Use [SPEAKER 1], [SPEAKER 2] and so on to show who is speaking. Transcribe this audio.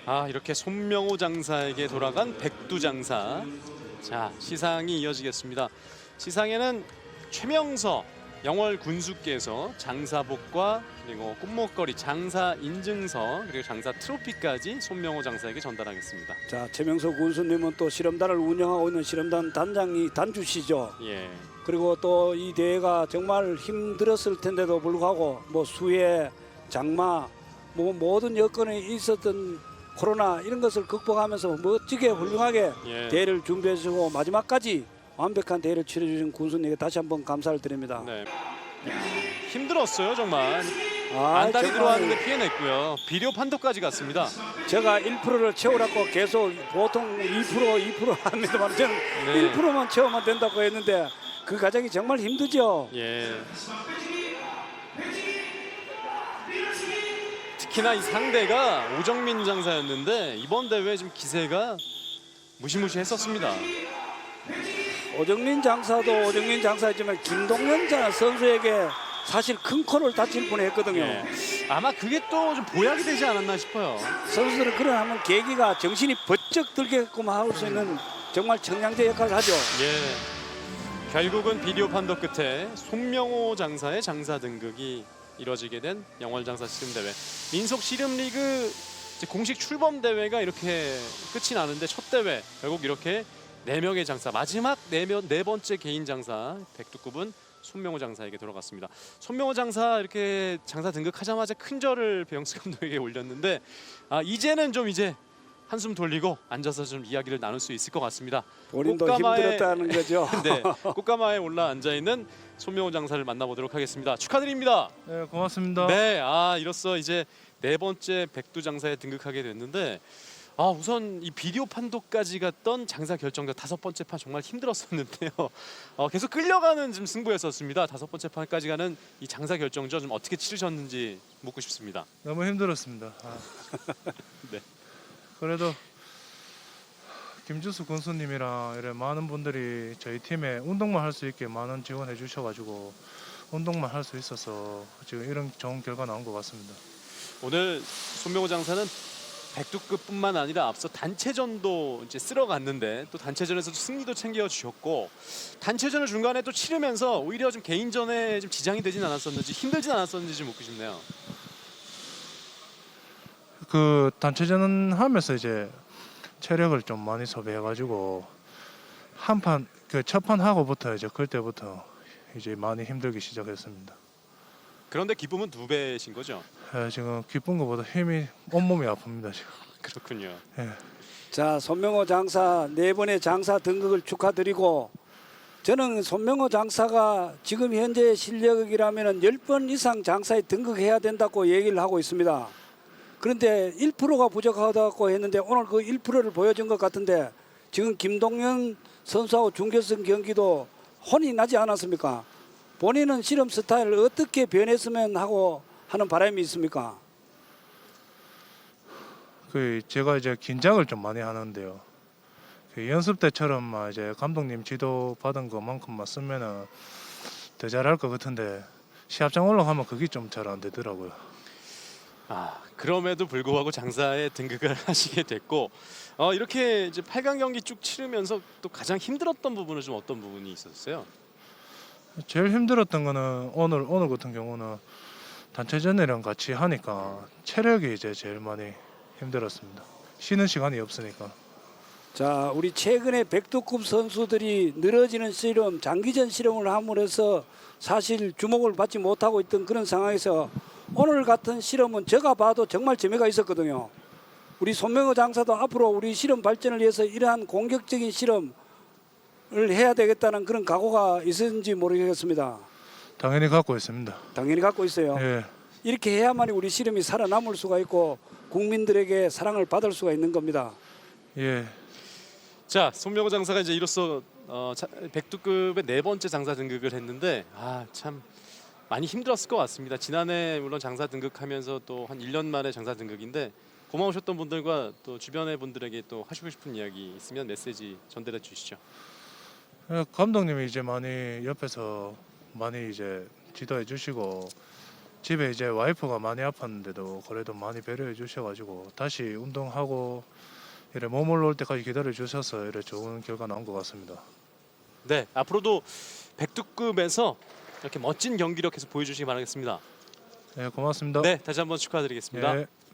[SPEAKER 1] 이렇게 손명호 장사에게 돌아간 백두 장사. 자, 시상이 이어지겠습니다. 시상에는 최명서 영월 군수께서 장사복과 그리고 꽃목걸이, 장사 인증서, 그리고 장사 트로피까지 손명호 장사에게 전달하겠습니다.
[SPEAKER 2] 자, 최명서 군수님은 또 실험단을 운영하고 있는 실험단 단주시죠.
[SPEAKER 1] 예.
[SPEAKER 2] 그리고 또 이 대회가 정말 힘들었을 텐데도 불구하고 뭐 수해, 장마, 뭐 모든 여건이 있었던 코로나 이런 것을 극복하면서 멋지게 훌륭하게
[SPEAKER 1] 예.
[SPEAKER 2] 대회를 준비해 주고 마지막까지 완벽한 대회를 치러 주신 군수님에게 다시 한번 감사를 드립니다.
[SPEAKER 1] 네. 힘들었어요, 정말.
[SPEAKER 2] 아,
[SPEAKER 1] 안달이
[SPEAKER 2] 정말
[SPEAKER 1] 들어왔는데 피해냈고요. 비료 판도까지 갔습니다.
[SPEAKER 2] 제가 1%를 채우라고 계속 보통 2% 합니다만 저는
[SPEAKER 1] 네.
[SPEAKER 2] 1%만 채우면 된다고 했는데 그 과정이 정말 힘들죠.
[SPEAKER 1] 예. 특히나 이 상대가 오정민 장사였는데 이번 대회 좀 기세가 무시무시했었습니다.
[SPEAKER 2] 오정민 장사도 오정민 장사였지만 김동현 선수에게 사실 큰 코를 다칠 뻔했거든요.
[SPEAKER 1] 예. 아마 그게 또 좀 보약이 되지 않았나 싶어요.
[SPEAKER 2] 선수들은 그런 하면 계기가 정신이 번쩍 들게끔 할 수 있는 정말 청량제 역할을 하죠.
[SPEAKER 1] 예. 결국은 비디오 판도 끝에 손명호 장사의 장사 등극이 이뤄지게 된 영월 장사 씨름 대회. 민속 씨름 리그 공식 출범 대회가 이렇게 끝이 나는데 첫 대회 결국 이렇게 4명의 장사, 마지막 네 번째 개인 장사 백두급은 손명호 장사에게 돌아갔습니다. 손명호 장사 이렇게 장사 등극하자마자 큰 절을 배영수 감독에게 올렸는데 이제는 좀 이제 한숨 돌리고 앉아서 좀 이야기를 나눌 수 있을 것 같습니다.
[SPEAKER 2] 본인도 힘들었다는 거죠.
[SPEAKER 1] 네, 꽃가마에 올라 앉아 있는 손명호 장사를 만나보도록 하겠습니다. 축하드립니다.
[SPEAKER 3] 네, 고맙습니다.
[SPEAKER 1] 네, 이로써 이제 4번째 백두 장사에 등극하게 됐는데 우선 이 비디오 판도까지 갔던 장사 결정전 5번째 판 정말 힘들었었는데요. 계속 끌려가는 좀 승부였었습니다. 5번째 판까지 가는 이 장사 결정전 좀 어떻게 치르셨는지 묻고 싶습니다.
[SPEAKER 3] 너무 힘들었습니다.
[SPEAKER 1] 네.
[SPEAKER 3] 그래도 김주수 군수님이랑 이런 많은 분들이 저희 팀에 운동만 할 수 있게 많은 지원해 주셔가지고 운동만 할 수 있어서 지금 이런 좋은 결과 나온 것 같습니다.
[SPEAKER 1] 오늘 손명호 장사는 백두급뿐만 아니라 앞서 단체전도 이제 쓸어갔는데 또 단체전에서도 승리도 챙겨주셨고 단체전을 중간에 또 치르면서 오히려 좀 개인전에 좀 지장이 되진 않았었는지 힘들진 않았었는지 좀 묻고 싶네요.
[SPEAKER 3] 그 단체전 하면서 이제 체력을 좀 많이 소비해가지고 한 판 그 첫 판 하고부터 이제 그때부터 이제 많이 힘들기 시작했습니다.
[SPEAKER 1] 그런데 기쁨은 2배신 거죠?
[SPEAKER 3] 지금 기쁜 것보다 힘이 온몸이 아픕니다 지금.
[SPEAKER 1] 그렇군요.
[SPEAKER 3] 예.
[SPEAKER 2] 자, 손명호 장사 4번의 장사 등극을 축하드리고 저는 손명호 장사가 지금 현재 실력이라면 10번 이상 장사에 등극해야 된다고 얘기를 하고 있습니다. 그런데 1%가 부족하다고 했는데 오늘 그 1%를 보여준 것 같은데 지금 김동현 선수하고 중결승 경기도 혼이 나지 않았습니까? 본인은 실험 스타일을 어떻게 변했으면 하고 하는 바람이 있습니까?
[SPEAKER 3] 그 제가 이제 긴장을 좀 많이 하는데요. 그 연습 때처럼 이제 감독님 지도 받은 것만큼만 쓰면은 더 잘할 것 같은데 시합장 올라가면 그게 좀 잘 안 되더라고요.
[SPEAKER 1] 그럼에도 불구하고 장사에 등극을 하시게 됐고 이렇게 이제 8강 경기 쭉 치르면서 또 가장 힘들었던 부분은 좀 어떤 부분이 있었어요?
[SPEAKER 3] 제일 힘들었던 거는 오늘 같은 경우는 단체전이랑 같이 하니까 체력이 이제 제일 많이 힘들었습니다. 쉬는 시간이 없으니까.
[SPEAKER 2] 자, 우리 최근에 백두급 선수들이 늘어지는 실험, 장기전 실험을 함으로써 사실 주목을 받지 못하고 있던 그런 상황에서 오늘 같은 실험은 제가 봐도 정말 재미가 있었거든요. 우리 손명호 장사도 앞으로 우리 실험 발전을 위해서 이러한 공격적인 실험을 해야 되겠다는 그런 각오가 있었는지 모르겠습니다.
[SPEAKER 3] 당연히 갖고 있습니다.
[SPEAKER 2] 당연히 갖고 있어요.
[SPEAKER 3] 예.
[SPEAKER 2] 이렇게 해야만이 우리 실험이 살아남을 수가 있고 국민들에게 사랑을 받을 수가 있는 겁니다.
[SPEAKER 3] 예.
[SPEAKER 1] 자, 손명호 장사가 이제 이로써 백두급의 4번째 장사 등극을 했는데 참 많이 힘들었을 것 같습니다. 지난해 물론 장사 등극하면서 또 한 1년 만에 장사 등극인데 고마우셨던 분들과 또 주변의 분들에게 또 하시고 싶은 이야기 있으면 메시지 전달해 주시죠.
[SPEAKER 3] 감독님이 이제 많이 옆에서 많이 이제 지도해 주시고 집에 이제 와이프가 많이 아팠는데도 그래도 많이 배려해 주셔가지고 다시 운동하고 이래 몸 올라올 때까지 기다려 주셔서 이래 좋은 결과 나온 것 같습니다.
[SPEAKER 1] 네, 앞으로도 백두급에서 이렇게 멋진 경기력 계속 보여주시기 바라겠습니다.
[SPEAKER 3] 네, 고맙습니다.
[SPEAKER 1] 네, 다시 한번 축하드리겠습니다.
[SPEAKER 3] 예.